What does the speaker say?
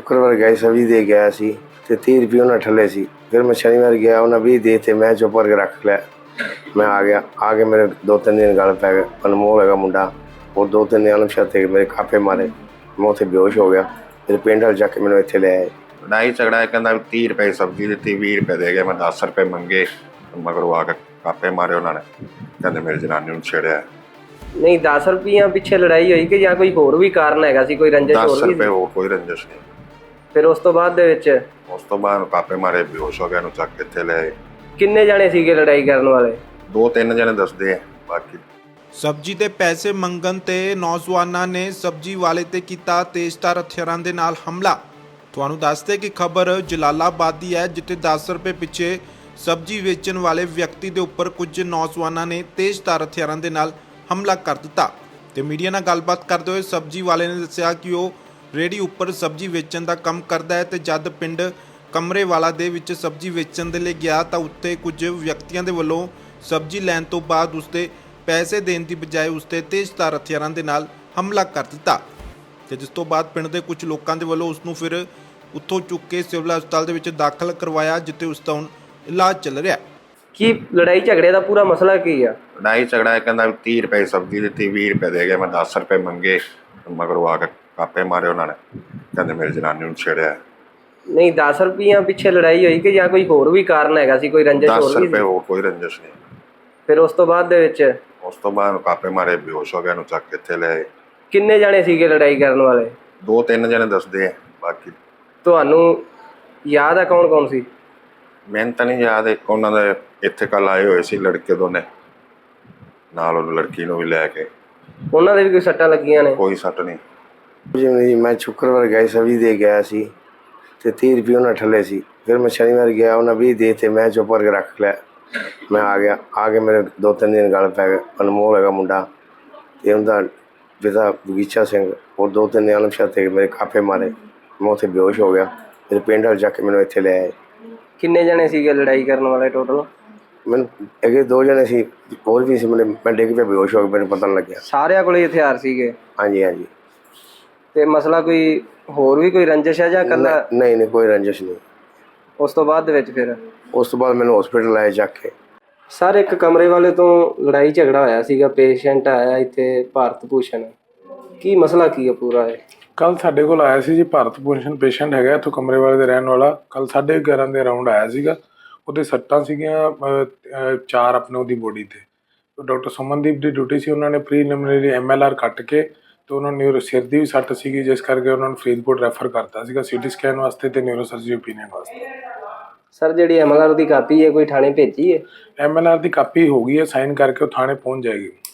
शुक्रवार गए सब्जी दे गया सी ते 30 रुपये उन्हें ठले सी। फिर मैं शनिवार गया उन्हें 20 दे थे, मैं चुप करके रख लिया। मैं आ गया, आगे मेरे 2-3 दिन गल पै गए। अनमोल है मुंडा, और 2-3 दिन अनशा थे, मेरे काफे मारे, मैं उत्थे बेहोश हो गया। फिर पिंड वाले जाके मैंने इत्थे ले आए। लड़ाई झगड़ा है, कहना 30 रुपए सब्जी दी, 20 रुपए दे गए, मैं 10 रुपए मंगे, मगरों आके कापे मारे उन्होंने, कहते मेरी जनानी नूं छेड़िया। नहीं 10 रुपये पिछे लड़ाई हुई कि या कोई होर भी कारण हैगा सी, कोई रंजिश होर 10 भी रुपए सी? हो कोई रंजिश नहीं। फिर उस तो बाद दे विच उस तो बाद कापे मारे, बेहोश हो गया, नूं चक के इत्थे ले आए। किन्ने जाने सीगे लड़ाई करने वाले? 2-3 जने दसदे आ, बाकी ਸਬਜ਼ੀ ਦੇ ਪੈਸੇ ਮੰਗਣ ਤੇ ਨੌਜਵਾਨਾਂ ਨੇ ਸਬਜ਼ੀ ਵਾਲੇ ਤੇ ਕੀਤਾ ਤੇਜ਼ਧਾਰ ਹਥਿਆਰਾਂ ਦੇ ਨਾਲ ਹਮਲਾ। ਤੁਹਾਨੂੰ ਦੱਸਦੇ ਕਿ ਖਬਰ ਜਲਾਲਾਬਾਦ ਦੀ ਹੈ, ਜਿੱਥੇ 10 ਰੁਪਏ ਪਿੱਛੇ ਸਬਜ਼ੀ ਵੇਚਣ ਵਾਲੇ ਵਿਅਕਤੀ ਦੇ ਉੱਪਰ ਕੁਝ ਨੌਜਵਾਨਾਂ ਨੇ ਤੇਜ਼ਧਾਰ ਹਥਿਆਰਾਂ ਦੇ ਨਾਲ ਹਮਲਾ ਕਰ ਦਿੱਤਾ। ਤੇ ਮੀਡੀਆ ਨਾਲ ਗੱਲਬਾਤ ਕਰਦੇ ਹੋਏ ਸਬਜ਼ੀ ਵਾਲੇ ਨੇ ਦੱਸਿਆ ਕਿ ਉਹ ਰੇਹੜੀ ਉੱਪਰ ਸਬਜ਼ੀ ਵੇਚਣ ਦਾ ਕੰਮ ਕਰਦਾ ਹੈ ਤੇ ਜਦ ਪਿੰਡ ਕਮਰੇਵਾਲਾ ਦੇ ਵਿੱਚ ਸਬਜ਼ੀ ਵੇਚਣ ਦੇ ਲਈ ਗਿਆ ਤਾਂ ਉੱਥੇ ਕੁਝ ਵਿਅਕਤੀਆਂ ਦੇ ਵੱਲੋਂ ਸਬਜ਼ੀ ਲੈਣ ਤੋਂ ਬਾਅਦ ਉਸਦੇ ਪੈਸੇ ਦੇਣ ਦੀ ਬਜਾਏ ਉਸਤੇ ਤੇਜ਼ਧਾਰ ਹਥਿਆਰਾਂ ਦੇ ਨਾਲ ਹਮਲਾ ਕਰ ਦਿੱਤਾ ਤੇ ਜਿਸ ਤੋਂ ਬਾਅਦ ਪਿੰਡ ਦੇ ਕੁਝ ਲੋਕਾਂ ਦੇ ਵੱਲੋਂ ਉਸ ਨੂੰ ਫਿਰ ਉੱਥੋਂ ਚੁੱਕ ਕੇ ਸਿਵਲ ਹਸਪਤਾਲ ਦੇ ਵਿੱਚ ਦਾਖਲ ਕਰਵਾਇਆ, ਜਿੱਥੇ ਉਸ ਦਾ ਹੁਣ ਇਲਾਜ ਚੱਲ ਰਿਹਾ। ਕੀ ਲੜਾਈ ਝਗੜੇ ਦਾ ਪੂਰਾ ਮਸਲਾ ਕੀ ਆ? लड़ाई झगड़ा है, कहना 30 रुपए सब्जी दी, 20 रुपए दे गए, मैं 10 रुपए मंगे, मगरों आके कापे मारे उन्होंने, कहते मेरी जनानी नूं छेड़िया। नहीं 10 रुपये पिछे लड़ाई हुई कि या कोई होर भी कारण हैगा सी, कोई रंजिश 10 होर भी रुपए सी? हो कोई रंजिश नहीं। फिर उस तो बाद दे विच उस तो बाद कापे मारे, बेहोश हो गया, नूं चक के इत्थे ले आए। किन्ने जाने सीगे लड़ाई करने वाले? 2-3 जने दसदे आ, बाकी ਤੁਹਾਨੂੰ याद है कौन कौन सी? ਮੈਨੂੰ ਤਾਂ ਨਹੀਂ ਯਾਦ। ਇੱਕ ਉਹਨਾਂ ਦੇ ਇੱਥੇ ਕੱਲ ਆਏ ਹੋਏ ਸੀ ਲੜਕੇ ਦੋਨੇ, ਨਾਲ ਉਹ ਲੜਕੀ ਨੂੰ ਵੀ ਲੈ ਕੇ। ਉਹਨਾਂ ਦੇ ਵੀ ਕੋਈ ਸੱਟਾਂ ਲੱਗੀਆਂ ਨੇ? ਕੋਈ ਸੱਟ ਨਹੀਂ। जिवें जी मैं शुक्रवार गए सब्जी दे गया सी ते 30 रुपये उन्हें ठले सी। फिर मैं शनिवार गया उन्हें 20 दे थे, मैं चुप करके रख लिया। मैं आ गया, आगे मेरे 2-3 दिन गल पै गए। अनमोल है मुंडा, ते उनका पिता बगीचा सिंह, और 2-3 दिन अनशा थे, मेरे काफे मारे, मैं उत्थे बेहोश हो गया। फिर पिंड वाले जाके मैंने इत्थे ले आए। किन्ने जाने सीगे लड़ाई करने वाले टोटल? मैंने अगे 2 जने सी, और भी सी। मैं डिग पे बेहोश हो गया, मैंने पता नहीं लग्या। ਸਾਰਿਆਂ ਕੋਲੇ ਹਥਿਆਰ ਸੀਗੇ? हाँ जी, हाँ जी। ਤੇ ਮਸਲਾ ਕੋਈ ਹੋਰ ਵੀ ਕੋਈ ਰੰਜਿਸ਼ ਹੈ ਜਾਂ ਕੱਲਾ? नहीं नहीं, कोई रंजिश नहीं। ਉਸ ਤੋਂ ਬਾਅਦ ਦੇ ਵਿੱਚ ਫਿਰ उस तो बाद मैंने हॉस्पिटल लाए जाके। ਸਰ ਇੱਕ ਕਮਰੇ ਵਾਲੇ ਤੋਂ ਲੜਾਈ ਝਗੜਾ ਹੋਇਆ ਸੀਗਾ, ਪੇਸ਼ੈਂਟ ਆਇਆ ਇੱਥੇ ਭਾਰਤ ਭੂਸ਼ਣ, ਕੀ ਮਸਲਾ ਕੀ ਹੈ ਪੂਰਾ ਇਹ? ਕੱਲ ਸਾਡੇ ਕੋਲ ਆਇਆ ਸੀ ਜੀ ਭਾਰਤ ਭੂਸ਼ਣ ਪੇਸ਼ੈਂਟ ਹੈਗਾ ਇੱਥੋਂ ਕਮਰੇ ਵਾਲੇ ਦੇ ਰਹਿਣ ਵਾਲਾ। ਕੱਲ 11:30 ਦੇ ਅਰਾਊਂਡ ਆਇਆ ਸੀਗਾ। ਉਹਦੇ ਸੱਟਾਂ ਸੀਗੀਆਂ 4 ਆਪਣੇ ਉਹਦੀ ਬੋਡੀ ਤੇ। ਡਾਕਟਰ ਸੁਮਨਦੀਪ ਦੀ ਡਿਊਟੀ ਸੀ, ਉਹਨਾਂ ਨੇ ਪ੍ਰੀਲਿਮਿਨਰੀ MLR ਕੱਟ ਕੇ ਤੇ ਉਹਨਾਂ ਨੂੰ ਸਿਰ ਦੀ ਵੀ ਸੱਟ ਸੀਗੀ, ਜਿਸ ਕਰਕੇ ਉਹਨਾਂ ਨੂੰ ਫਰੀਦਕੋਟ ਰੈਫਰ ਕਰਤਾ ਸੀਗਾ CT ਸਕੈਨ ਵਾਸਤੇ ਤੇ ਨਿਊਰੋ ਸਰਜਰੀ ਓਪੀਨੀਅਨ ਵਾਸਤੇ। ਸਰ ਜਿਹੜੀ MLR ਦੀ ਕਾਪੀ ਹੈ ਕੋਈ ਥਾਣੇ ਭੇਜੀ ਹੈ? MLR ਦੀ ਕਾਪੀ ਹੋ ਗਈ ਹੈ, ਸਾਈਨ ਕਰਕੇ ਉਹ ਥਾਣੇ ਪਹੁੰਚ ਜਾਏਗੀ।